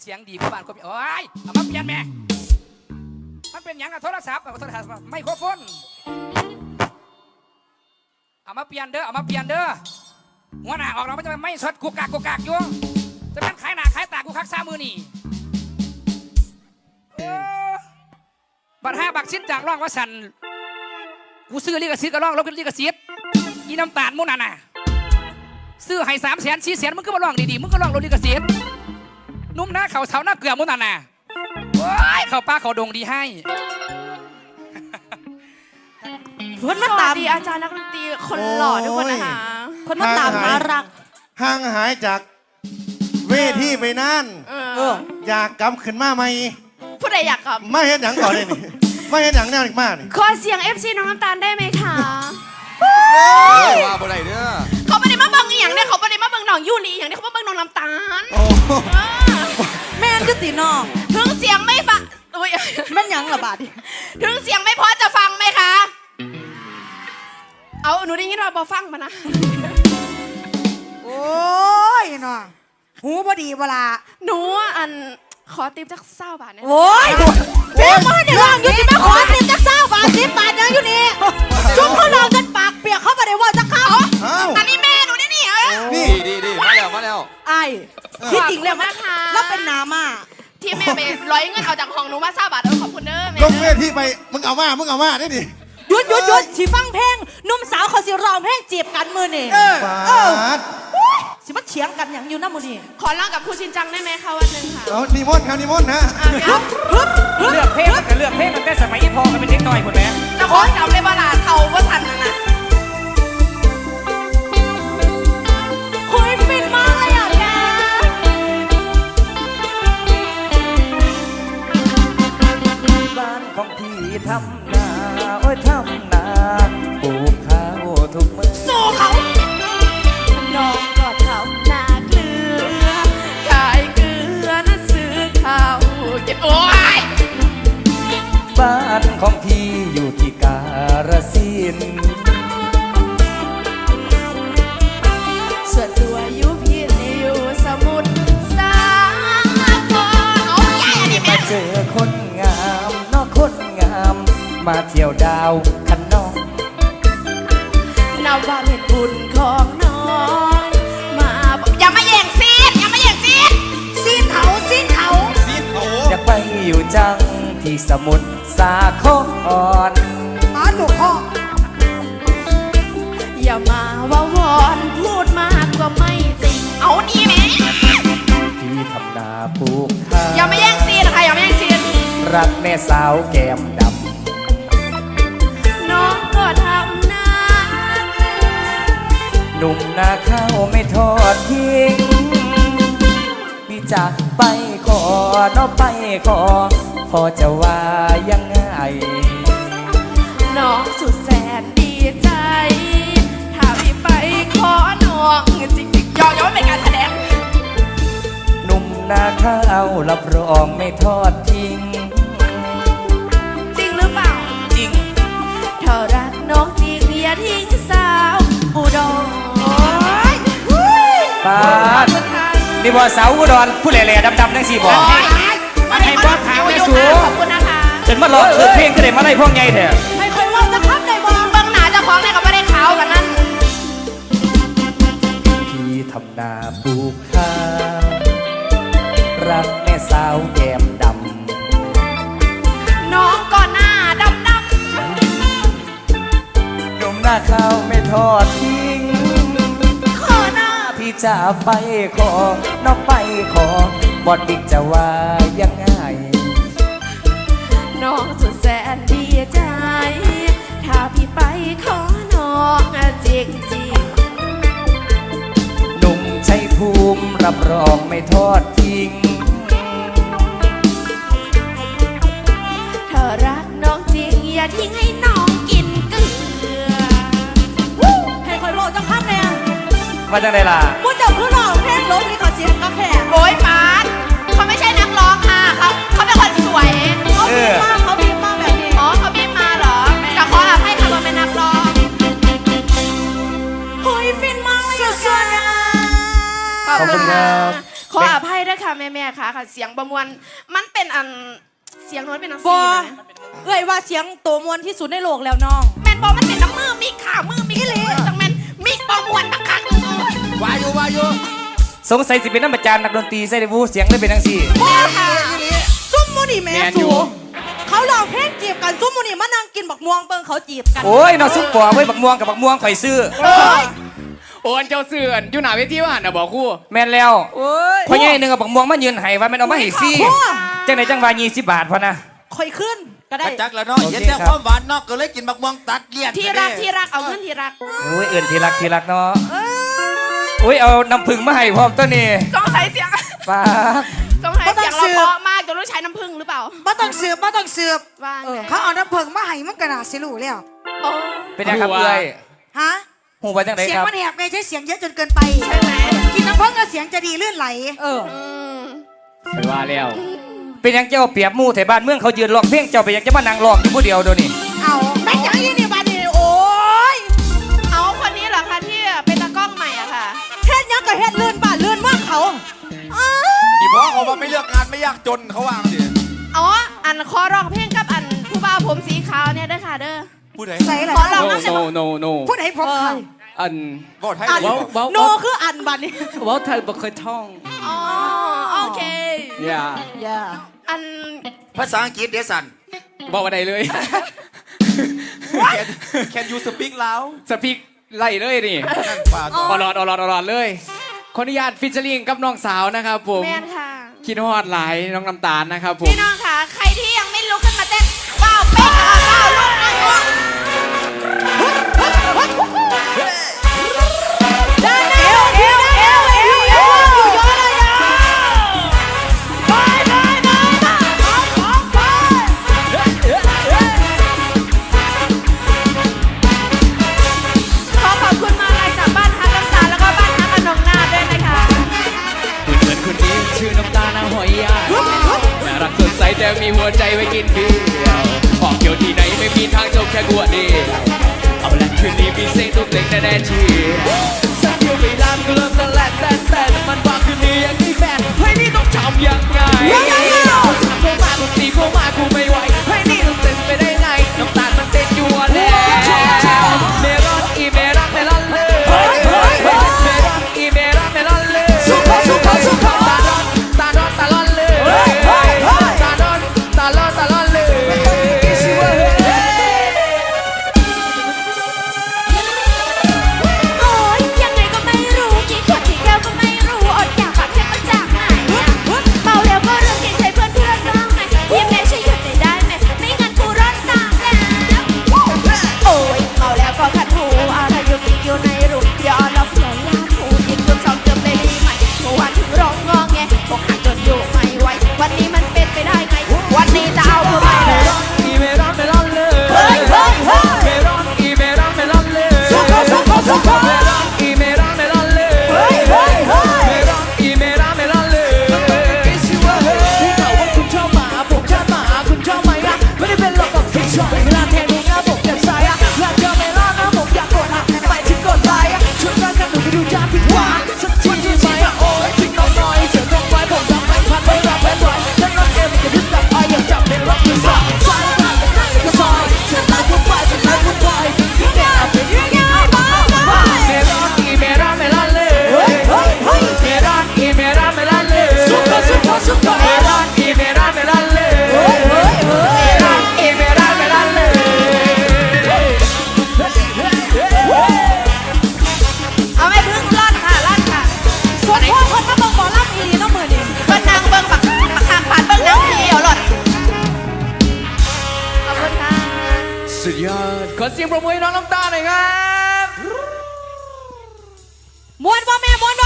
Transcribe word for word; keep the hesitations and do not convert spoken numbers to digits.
เสียงดีกว่าบ้านคนโอ้ยเอามาเปลี่ยนแม่มันเป็นอย่างกับโทรศัพท์โทรศัพท์ไมโครโฟนเอามาเปลี่ยนเด้อเอามาเปลี่ยนเด้อหัวหน้าออกเราไม่จะไม่สดกุกกากกุกกากอยู่จะเป็นขายหน้าขายตากูคักซ้ามือนี่บัตรห้าบักชิ้นจากร่องว่าสันกูซื้อลิขสิทธิ์ก็ร่องลบลิขสิทธิ์อีน้ำตาลมุนน่ะน่ะซื้อให้สามแสนสี่แสนมึงก็มาร่องดีๆมึงก็ร่องลบลิขสิทธิ์นุ่มหน้าเขาเสาหน้าเกลือมุนน่ะน่ะโอ้ยเขาป้าเขาดงดีให้คนมาตามดีอาจารย์นักดนตรีคนหล่อทุกคนนะคะคนมาตามน่ารักห่างหายจากเวทีไปนานอยากกลับขึ้นมาไหมผู้ใดอยากกลับไม่เห็นหนังก่อนเลยนี่ไม่เห็นหนังแนวอีกมากนี่ขอเสียง เอฟ ซี น้องน้ำตาลได้ไหมคะว่าบ่ได้เด้อเขาไม่ได้มาเบิ่งอย่างเนี่ยเขาไม่ได้มาเบิ่งน้องยูรีอย่างนี้เขามาเบิ่งน้องน้ำตาลแม่นก็ตีน้องถึงเสียงไม่ฟังแม่นยังระบาดถึงเสียงไม่พอจะฟังไหมคะเอาหนูได้ยินว่าบอฟังมานะโอ้ยเนาะหูพอดีเวลาหนูอันขอติปจักเศร้าบาทเนี่ยโอ้ยเจ๊มาเดี๋ยวลองอยู่ที่แม่ขอติปจักเศร้าบาทสิบบาทยังอยู่นี่จุ๊บเขาลองกันปากเปียกเขาไม่ได้ว่าจะเข้าอันนี้แม่หนูนี่นี่เออนี่ดีดีมาแล้วมาแล้วไอ้ที่จริงแล้วนะคะแล้วเป็นน้ำอ่ะที่แม่ไปร้อยเงินเอาจากห้องหนูมาเศร้าบาทเออขอบคุณเด้อแม่ลงเวทีไปมึงเอามามึงเอามาได้ดิหยุดหยุดหยุดสิฟังเพลงนุ่มสาวเขาสิร้องเพลงจีบกันมือนี่เออเออสิมาเถียงกันอย่างอยู่น้ำมือนี่ขอร้องกับครูชินจังได้ไหมคะวันหนึ่งค่ะเอานิมนต์ครับนิมนต์นะเลือกเพลงมันก็เลือกเพลงมันแต่สมัยอีพอกันเป็นเด็กน้อยคนแม่จะขอจำเลยว่าลาเทาว่าทันนะนะคุยฟินมากเลยอ่ะแกบ้านของพี่ทำนาโอ้ยทำนาปลูกข้าวทุกมื้อสู้เขาน้องก็ทำนาเกลือขายเกลือนะซื้อข้าวเก็บโอ้ยบ้านของพี่อยู่ที่กาฬสินธุ์ส่วนตัวอยู่พี่อยู่สมุทรสาครเอาใหญ่อันนี้แม่มาเจอคนงามนอกคนงามมาเที่ยวดาวคันนองนับว่าเป็นบุญของน้องมาอย่ามาแย่งซีนอย่ามาแย่งซีนซีนเขาซีนเขาซีนเขาอยากไปอยู่จังที่สมุทรสาครมาหนูพ่ออย่ามาว่าวอนพูดมากก็ไม่จริงเอานี่แม่พี่ทำนาปลูกข้าวอย่ามาแย่งซีนค่ะอย่ามาแย่งซีนรักแม่สาวแก้มดำน้องก็ทำนาหนุ่มนาข้าวไม่ทอดทิ้งพี่จะไปขอน้องไปขอพอจะว่ายังไงน้องสุดแสนดีใจถ้าพี่ไปขอน้องจริงๆยอมยอมเป็นการแสดงหนุ่มนาข้าวรับรองไม่ทอดทิ้งจริงหรือเปล่าจริงเธอรักน้องจริงอย่าทิ้งสาวอุดรป้านี่บ่สาวอุดรผู้แหล่ๆดำๆนั่งสี่บ่มาให้บ้านทางแม่สูขอบคุณนะคะจนมาหลอกคือเพลงก็ได้มาได้พวกไงเถอะไม่ค่อยว่าจะทับได้บ่เบื้องหน้าเจ้าของเนี่ยก็ไม่ได้ขาวกันนั่นพี่ทำนาปลูกข้าวรักแม่สาวแก้มดำน้องก็หน้าดำดำหนุ่มหน้าข้าวไม่ทอดทิ้งขอหน้าพี่จะไปขอน้องไปขอบอดบิ๊กจะว่ายังไงน้องสุดแสนดีใจถ้าพี่ไปขอน้องจริงจริงหนุ่มชัยภูมิรับรองไม่ทอดทิ้งเธอรักน้องจริงอย่าทิ้งให้น้องกินเกลือให้คอยบอกจะพัดเนี่ยมาจังไดล่ะพูดจับคือร้องเพลงลบนี่ขอเสียงกาแฟโอ้ยปานเขาไม่ใช่นักร้องค่ะเขาเขาเป็นคนสวยเขาบีบมาเขาบีบมาแบบนี้อ๋อเขาบีบมาเหรอแต่ขออภัยค่ะเราเป็นนักร้องเฮ้ยฟินมากเลยขอบคุณครับขออภัยด้วยค่ะแม่ๆค่ะค่ะเสียงประมวลมันเป็นอันเสียงน้อยเป็นอันบซีอนะเอ้ยว่าเสียงตัวมวลที่สุดในโลกแล้วน้องแมนบอมันเป็นน้ำมือมิกค่ะมือมิกเลยจังแมนมิกประมวลบักคักเลยวาอยู่วาอยู่สงสัยสิเป็นน้ำประจานนักดนตรีใส่ได้บูเสียงได้เป็นจังซี่แม่ค่ะซุ่มมูนี่แม่สูเขาลองเพลงจีบกันซุ่มมูนี่มานั่งกินบักม่วงเบิ่งเขาจีบกันโอ้ยนอซุปปอไว้บักม่วงกับบักม่วงข่อยซื้อโอนเจ้าเสื่อนอยู่หน้าเวทีว่าหันนะบอกครู่แม่นแล้วพ่อใหญ่หนึงกับบักม่วงมายืนให้ว่าแม่นเอามาให้ฟรีจังไดจังว่ายี่สิบบาทพอนะค่อยขึ้นก็ได้กระจักแล้วเนาะเห็นแต่ความหวานเนาะก็เลยกินบักม่วงตัดเลี่ยนที่รักที่รักเอาเงินที่รักโอ้ยเอื่นทีรักทีรักเนาะโอ้ยเอาน้ำผึ้งมาให้พร้อมตัวนี้สงสัยเสียงป้าบสงสัยเสียงเราเพราะมากจนต้องใช้น้ำผึ้งหรือเปล่าบ่ต้องสืบบ่ต้องสืบว่าไงเขาเอาน้ำผึ้งมาให้มันก็น่าสิรู้แล้วโอ้เป็นยังครับเอ้ยฮะหูว่าจังไดเสียงครับมันแหบไม่ใช่เสียงเยอะจนเกินไปใช่ไหมกินน้ำผึ้งก็เสียงจะดีลื่นไหลเอออืมไปว่าแล้วเป็นยังเจ้าเปรียบหมู่แถวบ้านเมืองเขายืนร้องเพลงเจ้าไปยังจะมานั่งร้องอยู่ผู้เดียวเดี๋ยวนี้เอาแม่งอย่างนี้นี่บาดนีโอ้ยเอาคนนี้เหรอคะที่เป็นตากล้องใหม่อะค่ะเฮ็ดหยังก็เฮ็ดเลื่อนบ้านเลื่อนเมืองเขาอ้าวอีพ่อเขาว่าไม่เลือกงานไม่ยากจนเขาวางดิอ๋อ อันคอร้องเพลงกับอันผู้บ่าวผมสีขาวเนี่ยเด้อค่ะเด้อผู้ใดใส่อะไรขอลองโนโนโนโนผู้ใดผมเขาอันบอกให้อันเลยว้าวโนคืออันบัดนี้ว้าวไทยบ่เคยท่องอ๋อ โอเคอย่าอย่าอันภาษาอังกฤษเดยวสันบอกอะไรเลยแคนยูสปีกลาวสปีกไล่เลยนี่นั่นป่าต่ออลอดอลอดอลอดเลยขออนุญาตฟิชเชอริงกับน้องสาวนะครับผมแมนค่ะคิดฮอดหลายน้องน้ำตาลนะครับผมพี่น้องค่ะ ใครที่ยังไม่ลุกขึ้นมาเต้นว้าวเป๊กอ่ะว้าวลุกนะลุกได้เอวเอวเอวเอวเอวอยู่เยอะเลยอ่ะไปไปไปไปไปไปขอขอบคุณมาลัยจากบ้านฮักน้ำตาลแล้วก็บ้านฮักอนงนาถด้วยนะคะคุณเหมือนคนนี้ชื่อน้ำตาลนางหอยยาน่ารักสดใสแต่มีหัวใจไว้กินเบียร์ออกเที่ยวที่ไหนไม่มีทางจบแค่กัวเดียวเอาละคืนนี้มีเสียงทุกเพลงแน่ๆเชียร์สักเที่ยวไม่นานก็เริ่มตะแลกแต่แต่มันว่าคืนนี้ยังไม่แฟนเฮ้ยนี่ต้องทำยังไงคนสามเข้ามาคนสี่เข้ามากูไม่ไหวเฮ้ยนี่ต้องเต้นไปได้ไงน้ำตาลมันเต้นอยู่แล้วเมรอนอีเมรอนเมรอนเลยเมรอนอีเมรอนเมรอนเลยสุขสุขสุขตาลอนตาลอนตาลอนเลยตาลอนตาลอนตาลอนเลยชิวะโอ๊ยยังไงก็ไม่รู้กี่ขวดกี่แก้วก็ไม่รู้อดอยากฝากเพชรมาจากไหนอะเมาแล้วก็เรื่องกินใช้เพื่อนเพื่อนบ้างไหมพี่แม่ช่วยหยุดหน่อยได้ไหมไม่งั้นกูร้อนตามแล้วโอ๊ยเมาแล้วก็ขัดหูอะไรอยู่กินอยู่ในรูย้อนแล้วเผื่อยาหูยิงจนสองเกือบเลยดีไหมเมื่อวานถึงร้องงอแงอกหักจนอยู่ไม่ไหววันนี้มันเป็นไปได้ไงวันนี้จะเอาเพื่อไม่เลยอีเมรอนเมรอนเลยเฮ้ยเฮ้ยเฮ้ยเมรอนอีเมรอนเมรอนเลยสุขสุขสุขเมรอนอีเมรอนเมรอนเลยเฮ้ยเฮ้ยเฮ้ยเมรอนอีเมรอนเมรอนเลยพี่ชิวะเฮ้ยพี่ข่าวว่าคุณชอบหมาผมชอบหมาคุณชอบไหมอะไม่ได้เป็นหรอกกับพี่ชอบเวลาแทงนี้นะผมอยากใส่อะอยากเจอเมรอนนะผมอยากกดอะไปที่กดไลค์อะช่วยกันกันหนูไปดูจ้าพี่หวานสักทีที่ไหมอะโอ้ยทิ้งน้องหน่อยเสียงตรงไว้ผมรับไม่ทันไม่รับไม่ไหวถ้าน้องเอ็มจะดึงดับไออยากจับเมรอนมือสั่นสายตาเป็นหน้าเป็นกระสอยฉันรักคุณไปฉันรักคุณไปยิ่งแก่เป็นยิ่งยาวเมรอนอีเมรอนเมรอนเลยเฮ้ยเฮ้ยเฮ้ยเมรอนอีเมรอนเมรอนเลยสุขสุขสุขเมรอนอีเมรอนเมรอนเลยเฮ้ยเฮ้ยเฮ้ยเมรอนอีเมรอนเมรอนเลยเอาไม่พึ่งร่อนค่ะร่อนค่ะส่วนพ่อคนมาเบิ่งหมอลำอีน้องมือนี่เบิ้งนางเบิ้งบักบักคางผ่านเบิ้งนางทีเดียวหลดขอบคุณค่ะสุดยอดขอเสียงปรบมือให้น้องน้ำตาหน่อยครับมวนบ่แม่มวน